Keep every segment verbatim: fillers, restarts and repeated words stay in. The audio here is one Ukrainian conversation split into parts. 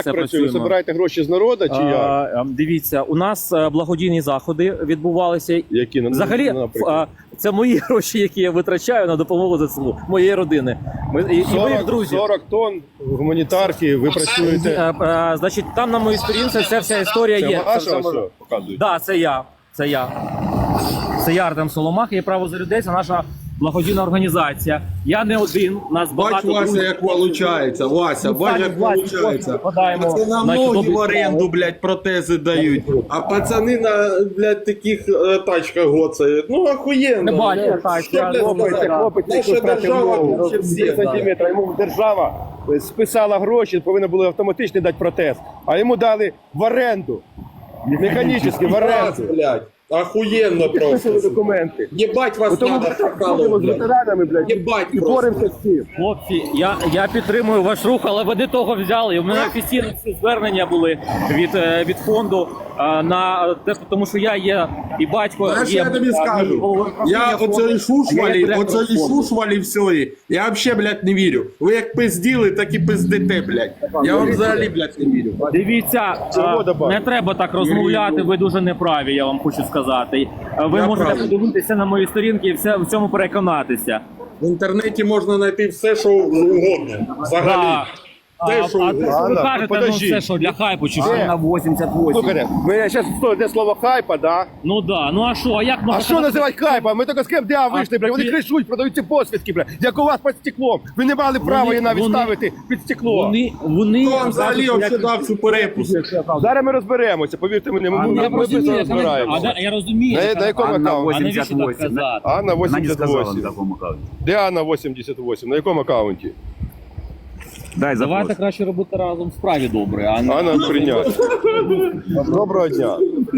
це працює? працюємо. Собираєте гроші з народу чи як? А, дивіться, у нас е, благодійні заходи відбувалися. Які на Взагалі, наприклад? а, це мої гроші, які я витрачаю на допомогу ЗСУ, моєї родини. Ми, і, і ми, сорок, друзі. сорок тонн гуманітарки, ви працюєте. Е, е, значить, там на моїй сторінці ця вся історія Це є. ваша Це- це- ось показують? Да, це я. Це я. Це я, Артем Соломах, є право за людей. Це наша благодійна організація. Я не один, нас Бач, багато Вася, друзів. як получається, Вася, Ну, бач, так, як Вася, получається. вкладаємо Це на наші многі добрі в оренду, блядь, протези дають. А пацани на, блядь, таких е, тачках гоцають. Ну, охуєнно. Не бачу, Ну, так, що, я блядь, Хлопець, сказати? хлопець, Наша який втратив держава ногу, лучше всіх, три сантиметри, йому держава списала гроші, повинна була автоматично дати протез, а йому дали в оренду, механічно, в Раз, оренду. блядь. Охуєнно Підписали просто. документи. Єбать вас Тому надо ми ходимо шакалом, з блядь. ветеранами, блядь, Єбать і просто. боремося з цим. Хлопці, я, я підтримую ваш рух, але ви не того взяли. У мене офіційні ці звернення були від, е, від фонду е, на те, тому що я є і батько. Знаєш, є, я тобі е, скажу, головою я правління оцей фонду, шушвалі, а я є оцей директором фонду. шушвалі всьої, я взагалі, блядь, не вірю. Ви як пизділи, так і пиздите, блядь. Я вам взагалі, блядь, не вірю. Дивіться, Чого е, добавити? не треба так розмовляти, ви дуже неправі, я вам хочу сказати. Е, Ви Я можете правий. подивитися на мої сторінки і все, в цьому переконатися. В інтернеті можна знайти все, що угодно. Взагалі. Да. А, Те, а що те, угодно. що ви Анна, кажете, ну подожди. це що, для хайпу, чи що Де? на вісімдесят вісім? Слухайте, ми зараз йде слово хайпа, да? Ну да, ну а що, а як можна А що називати хайпа? Ми тільки з КМДА вийшли, блядь, вони ти- кришуть, продають ці посвідки, блядь, як у вас під стеклом. Ви не мали права її навіть вони- ставити під стекло. Вони, вони... Хто вам взагалі як- взагалі дав цю перепуску? Зараз ми розберемося, повірте мені, ми, А, ми, я ми розумію, швидко яка- а, розбираємося. да, я розумію. На- яка- на якому Анна аккаунті? А навіщо так казати? Анна Вона не сказала на вісімдесят вісім. такому аккаунті. Де Анна вісімдесят вісім? На якому аккаунті? Дай запрос. Давайте краще робити разом справі добре, а не... Анна прийняти. Доброго дня.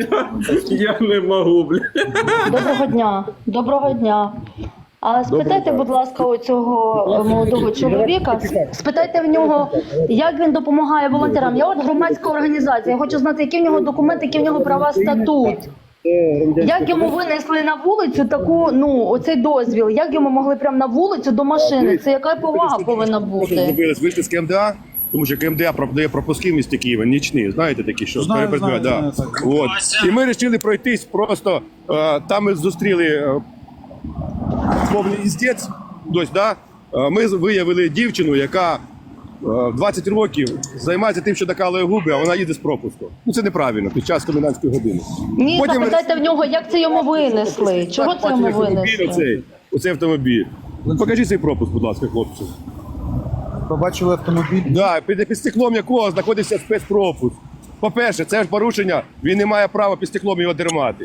Я не можу, блядь. Доброго дня. Доброго дня. А спитайте, будь ласка, у цього молодого чоловіка, спитайте в нього, як він допомагає волонтерам. Я от громадська організація, я хочу знати, які в нього документи, які в нього права, статут. Як йому винесли на вулицю таку, ну, оцей дозвіл, як йому могли прямо на вулицю до машини? Це яка повага повинна бути? Зробились, вийшли з КМДА, тому що КМДА продає пропуски в місті Києва, нічні, знаєте такі, що перепрацюють, да. От. І ми вирішили пройтись просто, е, там ми зустріли е, повний іздець, дось, да? Е, ми виявили дівчину, яка е, двадцять років займається тим, що докалує губи, а вона їде з пропуску. Ну це неправильно, під час комендантської години. Ні, Потім ми- запитайте в нього, як це йому винесли? Чого це йому Бачили автомобіль винесли? оцей, оцей автомобіль. Покажіть цей пропуск, будь ласка, хлопці. Побачили автомобіль. Да, під, під стеклом якого знаходиться спецпропуск. По-перше, це ж порушення, він не має права під стеклом його тримати.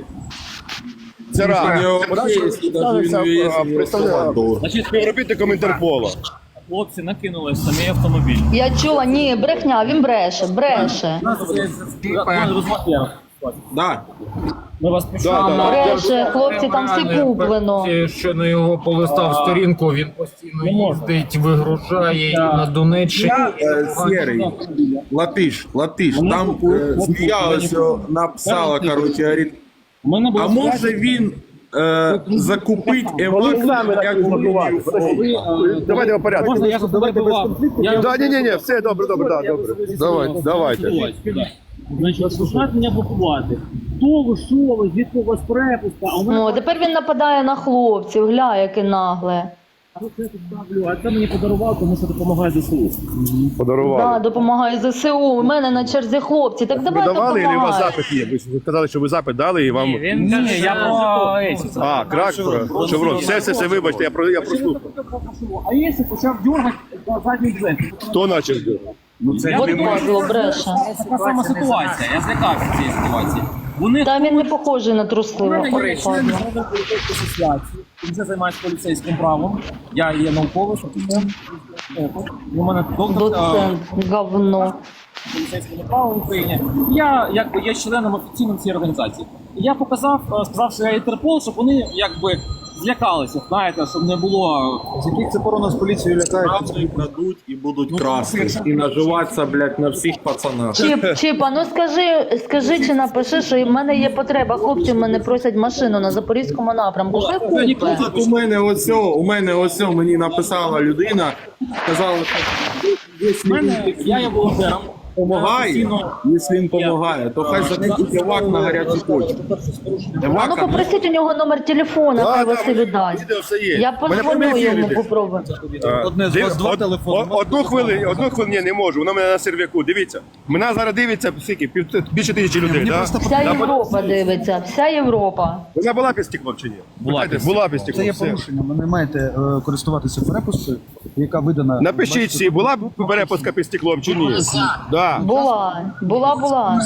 Це раз. нього Це є, раз, і навіть він а, є, а, і представляє його Значить, співробітником Інтерпола. хлопці накинули в самий автомобіль. Я чула, ні, брехня, він бреше, бреше. Да. Ми вас Да, пишемо. да. Бреше, хлопці, там все куплено. Що на його полистав сторінку, він постійно їздить, вигружає і на Донеччині. Е, Сєрий, Латиш, Латиш, там е, змія ось о, написала, короче, говорить, У мене було а може він е, закупить евакуацію, як Давайте по порядку. Можна я перебивав? Я Да, ні, ні, ні, все добре, добре, да, добре. Давайте, давайте. Значить, починають мене блокувати. Хто ви, що ви, звідки у вас перепуска? А у мене О, тепер він нападає на хлопців, гля, яке нагле. це тут ставлю, а це мені подарував, тому що допомагає ЗСУ. Да, Подарували. допомагає ЗСУ, у мене на черзі хлопці. Так Ви давай давали, і у вас допомагай. запит є? Ви ж сказали, що ви запит дали і вам... Він каже, я про А, крак, про шеврон. Все, все, все, вибачте, я, про, я прослухав. А якщо почав дергати на задній двері? Хто наче жде? От дозвіл бреше. Така сама ситуація, я злякався цієї ситуації. Вони Та він не похожий на трусливого. є член Ладно. Міжнародної асоціації, він вже займається поліцейським правом. Я є науковий, офіцер. У мене доктор Доцент, говно. поліцейського права в Україні. Я якби є членом офіційним цієї організації. І я показав, е, сказав, що я Інтерпол, щоб вони якби злякалися, знаєте, щоб не було. З яких це пору нас поліцію лякають? правду крадуть і будуть красти. І наживатися, блядь, на всіх пацанах. Чіп, Чіпа, ну скажи, скажи чи напиши, що в мене є потреба. Хлопці в мене просять машину на Запорізькому напрямку. Хай купить. Тут у мене ось, о, у мене ось о, мені написала людина, сказала, що У мене, я є волонтером, Помагає? Якщо він помагає, то хай закупить евак на гарячу точку. А ну Евака попросіть у нього номер телефона, хай Василь дасть. Відео все є. Я Мене позвоню прямий ефір йому, іде. попробую. Одне з Див- вас два од- телефони. о- Одну хвилину, одну хвилину, ні, не можу, воно в мене на сервяку. Дивіться, мене зараз дивиться скільки, пів- більше тисячі людей, мені да? просто Вся Європа дивиться, вся Європа. Вона була під стеклом чи ні? Була Питайте, під стеклом. була під стеклом. Це є все. порушення. Ви не маєте е, користуватися перепусткою, яка видана. Напишіть всі, була б перепуска під стеклом чи ні? Да. Була, була, була.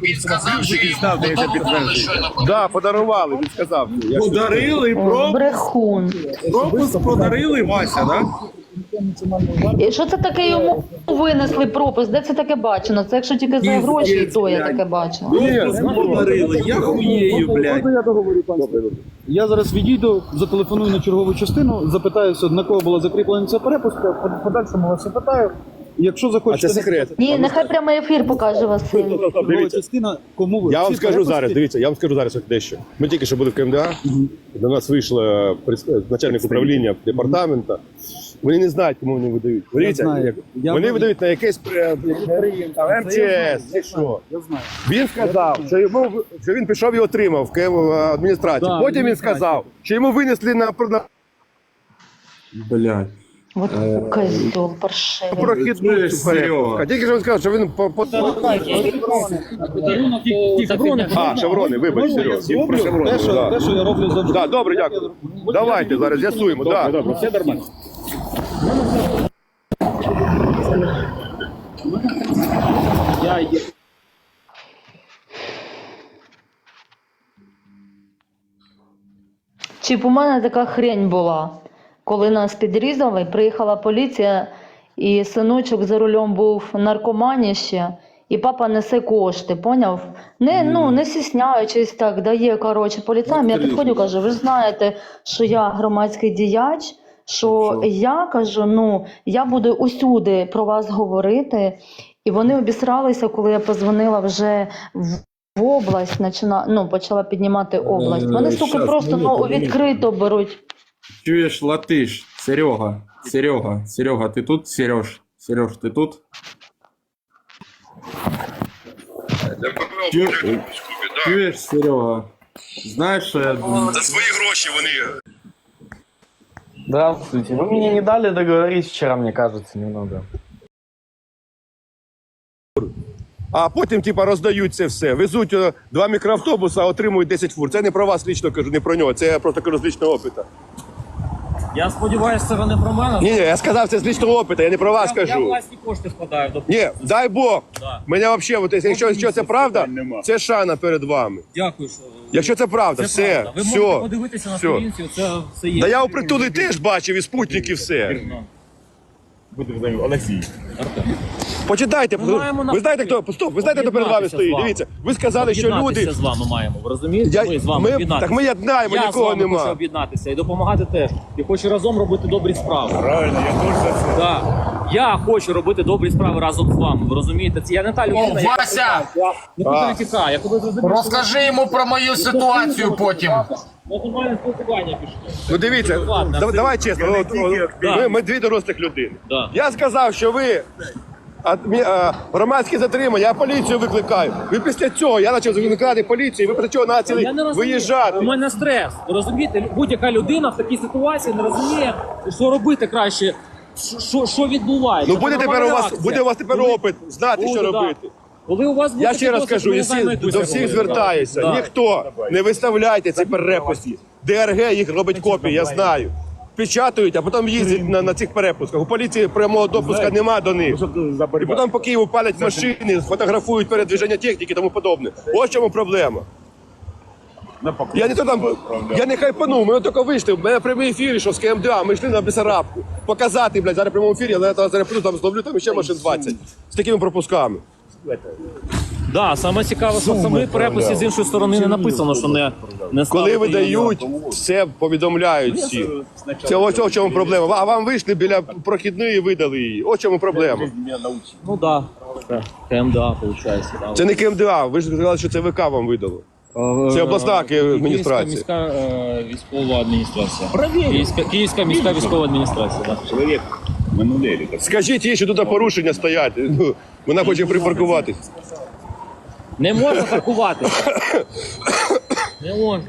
Да, подарували, він сказав. Я ж- подарили, О, про... брехун. пропуск подарили, Вася, да? І що це таке йому винесли пропуск? Де це таке бачено? Це якщо тільки за гроші, і то я таке бачила. Пропуск подарили, я хуєю, блядь. Я договорю, пан Степан. Я зараз відійду, зателефоную на чергову частину, запитаюся, на кого була закріплена ця перепустка, в подальшому вас запитаю. І Якщо А захочете... це секрет. Ні, нехай прямий ефір покаже Василь. Чергова Дивіться. частина, кому ви... Я вам всі скажу перепустки- зараз, дивіться, я вам скажу зараз от дещо. Ми тільки що були в КМДА, до нас вийшла прес- начальник управління департаменту. Вони не знають, кому вони видають. Дивіться, знаю. як- Я вони знаю. видають на якесь при- там, ем че ес, чи що. Я знаю. Він сказав, що йому що він пішов і отримав в КМ адміністрацію. Да, Потім він адміністрацію. сказав, що йому винесли на, на Блядь. От козьол паршивий. прохідну Чуєш, цю перепустку. Серега? Тільки що він сказав, що він по, по... Шеврони. А, шеврони, вибач, Серега. Він про шеврони. Те, що, да. те, що я роблю завжди. Да, добре, дякую. Давайте зараз з'ясуємо. Да. Все нормально. Я є. Чи б у мене така хрень була, коли нас підрізали, приїхала поліція, і синочок за рулем був наркоманіще, і папа несе кошти, поняв? Не, ну, не стісняючись так, дає, коротше, поліцаям. Я підходжу, кажу, ви ж знаєте, що я громадський діяч, що я, кажу, ну, я буду усюди про вас говорити. І вони обісралися, коли я позвонила вже в в область, почала, ну, почала піднімати область. Вони, сука, щас, просто ну, минуту, відкрито беруть. Чуєш, латиш, Серега, Серега, Серега, ти тут, Сереж? Сереж, ти тут? Чу- Чуєш, Серега? Знаєш, що я думаю? За свої гроші вони. Здравствуйте. Вы мне не дали договорить вчера, мне кажется, немного. А потім, типа, роздають це все. Везуть е, два мікроавтобуси, а отримують десять фур. Це не про вас лічно кажу, не про нього. Це я просто кажу з лічного опиту. Я сподіваюся, це ви не про мене. Ні, ні, я сказав це з лічного опиту, я не про вас я, я кажу. власні кошти складаю до Ні, дай Бог. Да. Мене взагалі, от, якщо, якщо це правда, це шана перед вами. Дякую, що Якщо це правда, це все, правда. Ви все. можете подивитися на все. сторінці, це все є. Та я у притулі теж бачив і спутники все. Почитайте, Ми маємо ви знаєте, хто, стоп, ви знаєте, хто перед вами об'єднатися з стоїть? вами. Дивіться, ви сказали, що Об'єднатися люди... з вами маємо, ви розумієте? Я- ми з вами ми- об'єднатися. так ми єднаємо, Я нікого з вами нема. хочу об'єднатися і допомагати теж. І хочу разом робити добрі справи. Правильно, я теж за це. Да. Я хочу робити добрі справи разом з вами. Ви розумієте? Це я не та людина, О, яка Вася! нікуди не тікає. Я коли зрозумів, Розкажи йому про мою ситуацію потім. що нормальне спілкування пішло. Ну дивіться, Ладно, да- це- давай чесно, от, от, Да. ми, ми дві дорослих людини. Да. Я сказав, що ви адмі- а, громадські затримання, я поліцію викликаю. Ви після цього, я почав викликати поліцію, ви після цього почали Я не розумію. виїжджати. У мене стрес. Ви розумієте? Будь-яка людина в такій ситуації не розуміє, що робити краще, що- що, що відбувається. Ну буде Це тепер у нормальна вас, реакція. буде у вас тепер Коли- опит, знати, що Буде, да. робити. Коли у вас буде Я ще раз досвід, кажу, ми і не всі, знаємо, як ви до це всіх робите. звертаюся. Да. Ніхто не виставляйте ці перепуски. Ді ар ге їх робить копії, я знаю. Печатають, а потім їздять на, на цих перепусках. У поліції прямого допуска нема до них. І потім по Києву палять машини, фотографують передвиження техніки і тому подобне. Ось в чому проблема. Я не то там, я не хайпанув, ми тільки вийшли, в мене прямий ефір, що з КМДА, ми йшли на Бесарабку. Показати, блядь, зараз в прямому ефірі, але я зараз прийду, там зловлю там ще машин двадцять. З такими пропусками. Да, саме цікаве, що в самій переписі з іншої сторони не написано, що не, не Коли ставити видають, все повідомляють всі. Це ось в чому проблема. А вам вийшли біля прохідної і видали її. Ось в чому проблема. Ну да. КМДА, виходить. Да. Це не КМДА, ви ж сказали, що це ВК вам видало. Це обласна адміністрація. Київська міська е, військова адміністрація. Київська, Київська міська військова адміністрація. Да. Скажіть їй, що тут порушення стоять. Ну, Вона хоче припаркуватись. Не можна паркувати. Не можна.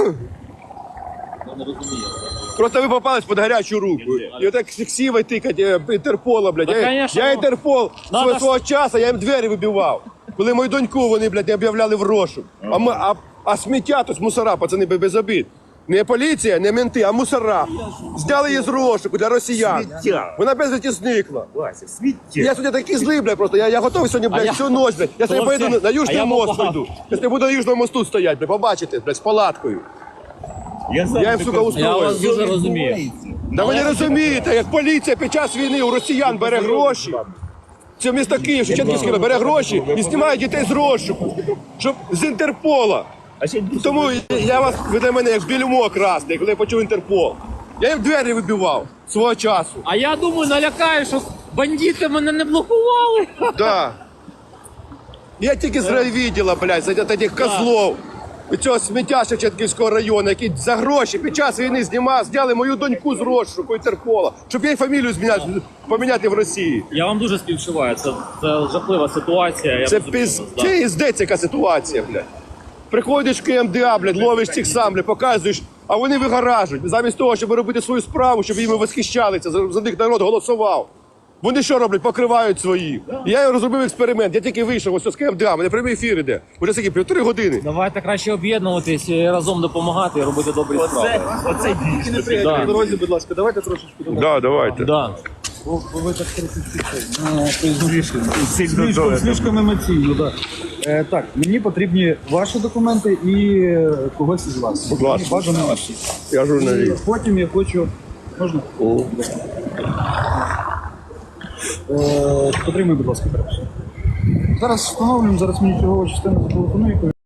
Я не розумію. Просто ви попались під гарячу руку. І отак сівай тикать е, Інтерпола, блядь. Та, Я, конечно, я ну, Інтерпол надо свого, ж- свого часу, я їм двері вибивав. Коли мою доньку вони, блядь, об'являли в розшук. А, ми, а, а сміття, то мусора, пацани, без обід. Не поліція, не менти, а мусора. Зняли її з розшуку для росіян. Вона безвісті зникла. Я сьогодні такий злий, блядь, просто. Я, я готовий сьогодні, блядь, я- всю ніч, блядь. Я сьогодні Хлопці, поїду на, на а Южний я мост попав. пойду. Я сьогодні буду на Южному мосту стояти, блядь, побачите, блядь, з палаткою. Я їм, сука, Я устрою. вас дуже розумію. Да ви не розумієте, як поліція під час війни у росіян бере гроші. Це місто Київ, Шевченківський бере гроші і знімає дітей з розшуку, щоб з Інтерпола. Тому я вас, ви для мене як більмо красний, коли я почув Інтерпол. Я їм двері вибивав свого часу. А я думаю, налякаю, що бандити мене не блокували. Да. Я тільки з райвідділа, блядь, за тих козлов. І цього сміття Шевченківського району, який за гроші під час війни знімав, зняли мою доньку з розшуку Інтерпола, щоб їй фамілію зміняти, поміняти в Росії. Я вам дуже співчуваю. Це, це жахлива ситуація. Я Це розумію піз... вас, да. Це іздець яка ситуація, блядь. Приходиш в КМДА, блядь, ловиш цих сам, блядь, показуєш, а вони вигоражують. Замість того, щоб робити свою справу, щоб їм восхищалися, за, за них народ голосував. Вони що роблять? Покривають свої. І я розробив експеримент, я тільки вийшов ось з КМДА, мене прямий ефір іде. Уже скільки, півтори години. Давайте краще об'єднуватись і разом допомагати і робити добрі справи. На дорозі, будь ласка, давайте трошечки. Да, давайте. Да. Бо бо ви так трохи слишком, слишком емоційно, да. Е, так, мені потрібні ваші документи і е, когось із вас. Будь ласка. Бажано ваші. Я І журналіст. потім я хочу. Можна? Е, потримай, будь ласка, перше. Зараз встановлюємо, зараз мені чергова частина зателефонує.